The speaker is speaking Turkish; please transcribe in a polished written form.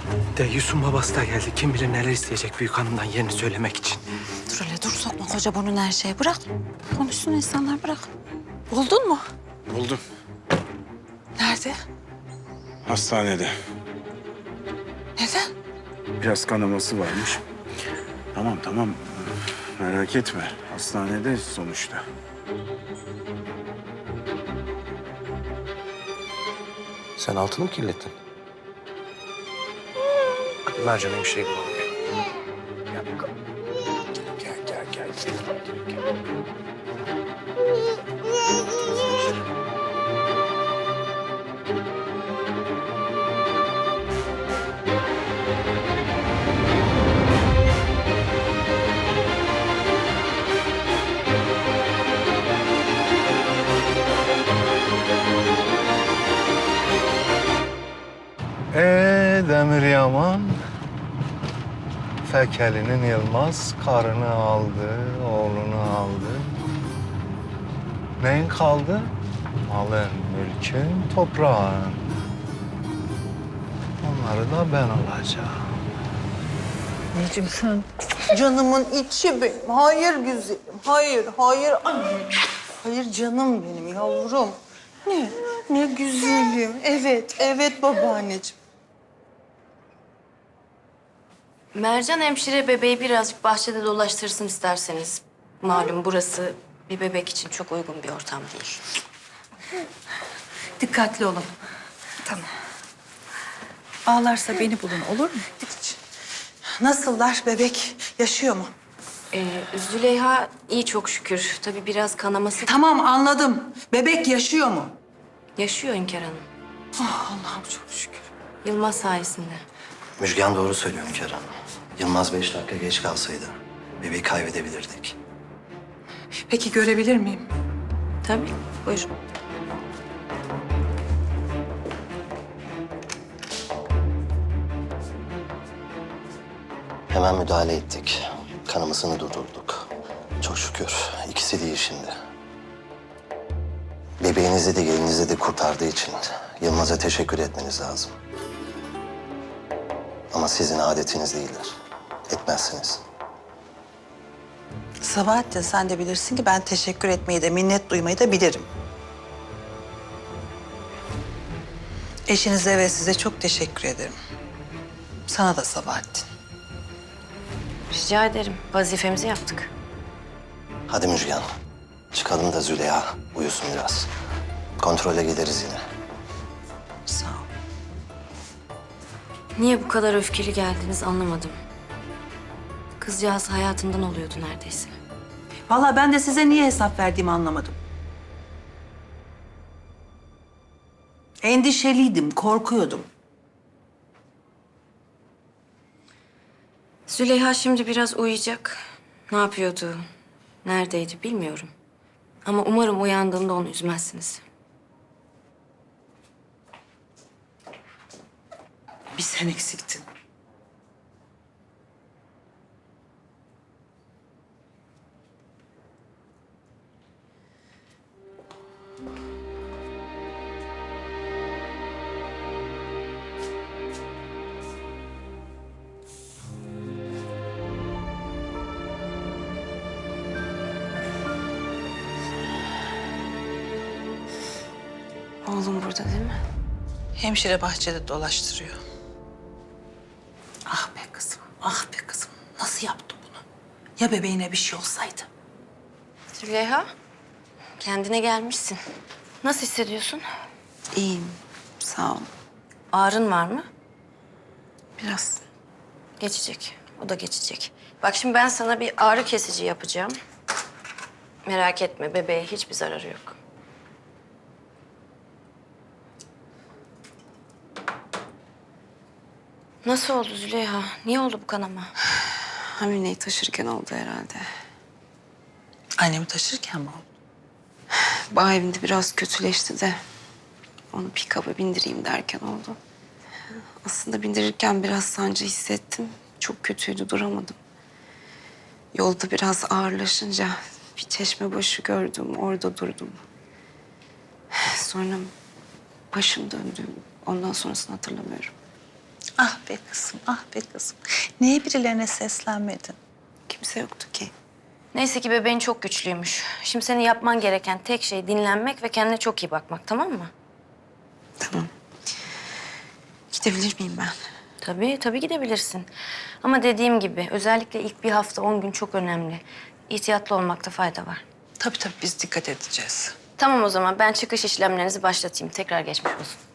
De Yusuf'un babası da geldi. Kim bilir neler isteyecek büyük hanımdan yerini söylemek için. Dur hele dur, sokma koca burnunu her şeye. Bırak. Konuşsun insanlar, bırak. Buldun mu? Buldum. Nerede? Hastanede. Neden? Biraz kanaması varmış. Tamam. Merak etme. Hastanede sonuçta. Sen altını mı kirlettin? Hadi Mercan'a bir şey bulalım. Gel. Demir Yaman, Fekeli'nin Yılmaz karını aldı, oğlunu aldı. Neyin kaldı? Malın, mülkün, toprağın. Onları da ben alacağım. Anneciğim sen canımın içi benim. Hayır güzelim. Hayır anne. Hayır canım benim yavrum. Ne güzelim. Evet babaanneciğim. Mercan hemşire bebeği birazcık bahçede dolaştırsın isterseniz. Malum burası bir bebek için çok uygun bir ortam değil. Dikkatli olun. Tamam. Ağlarsa beni bulun olur mu? Nasıllar bebek? Yaşıyor mu? Züleyha iyi çok şükür. Tabii biraz kanaması Tamam anladım. Bebek yaşıyor mu? yaşıyor Hünkar Hanım. Allah'ım çok şükür. Yılmaz sayesinde. Müjgan doğru söylüyor Hünkar Hanım. Yılmaz 5 dakika geç kalsaydı bebeği kaybedebilirdik. Peki görebilir miyim? Tabii buyurun. Hemen müdahale ettik. Kanamasını durdurduk. Çok şükür ikisi de iyi şimdi. Bebeğinizi de gelinizi de kurtardığı için Yılmaz'a teşekkür etmeniz lazım. Ama sizin adetiniz değildir. Etmezsiniz. Sabahattin sen de bilirsin ki ben teşekkür etmeyi de minnet duymayı da bilirim. Eşinize ve size çok teşekkür ederim. Sana da Sabahattin. Rica ederim. Vazifemizi yaptık. Hadi Müjgan. Çıkalım da Züleyha uyusun biraz. Kontrole gideriz yine. Sağ ol. Niye bu kadar öfkeli geldiniz anlamadım. Kızcağız hayatından oluyordu neredeyse. Vallahi ben de size niye hesap verdiğimi anlamadım. Endişeliydim, korkuyordum. Züleyha şimdi biraz uyuyacak. Ne yapıyordu, neredeydi bilmiyorum. Ama umarım uyandığında onu üzmezsiniz. Bir sen eksiktin. Oğlum burada değil mi? Hemşire bahçede dolaştırıyor. Ah be kızım. Nasıl yaptı bunu? Ya bebeğine bir şey olsaydı? Züleyha, kendine gelmişsin. Nasıl hissediyorsun? İyiyim, sağ ol. Ağrın var mı? Biraz. Geçecek. O da geçecek. Bak şimdi ben sana bir ağrı kesici yapacağım. Merak etme, bebeğe hiçbir zararı yok. Nasıl oldu Züleyha? Niye oldu bu kanama? Hamileyi taşırken oldu herhalde. Annemi taşırken mi oldu? Bağ evinde biraz kötüleşti de onu pick-up'a bindireyim derken oldu. Aslında bindirirken biraz sancı hissettim. Çok kötüydü, duramadım. Yolda biraz ağırlaşınca bir çeşme başı gördüm, orada durdum. Sonra başım döndü. Ondan sonrasını hatırlamıyorum. Ah be kızım, ah be kızım. Niye birilerine seslenmedin? Kimse yoktu ki. Neyse ki bebeğin çok güçlüymüş. Şimdi senin yapman gereken tek şey dinlenmek ve kendine çok iyi bakmak, tamam mı? Tamam. Gidebilir miyim ben? Tabii gidebilirsin. Ama dediğim gibi özellikle ilk bir hafta 10 gün çok önemli. İhtiyatlı olmakta fayda var. Tabii biz dikkat edeceğiz. Tamam o zaman ben çıkış işlemlerinizi başlatayım. Tekrar geçmiş olsun.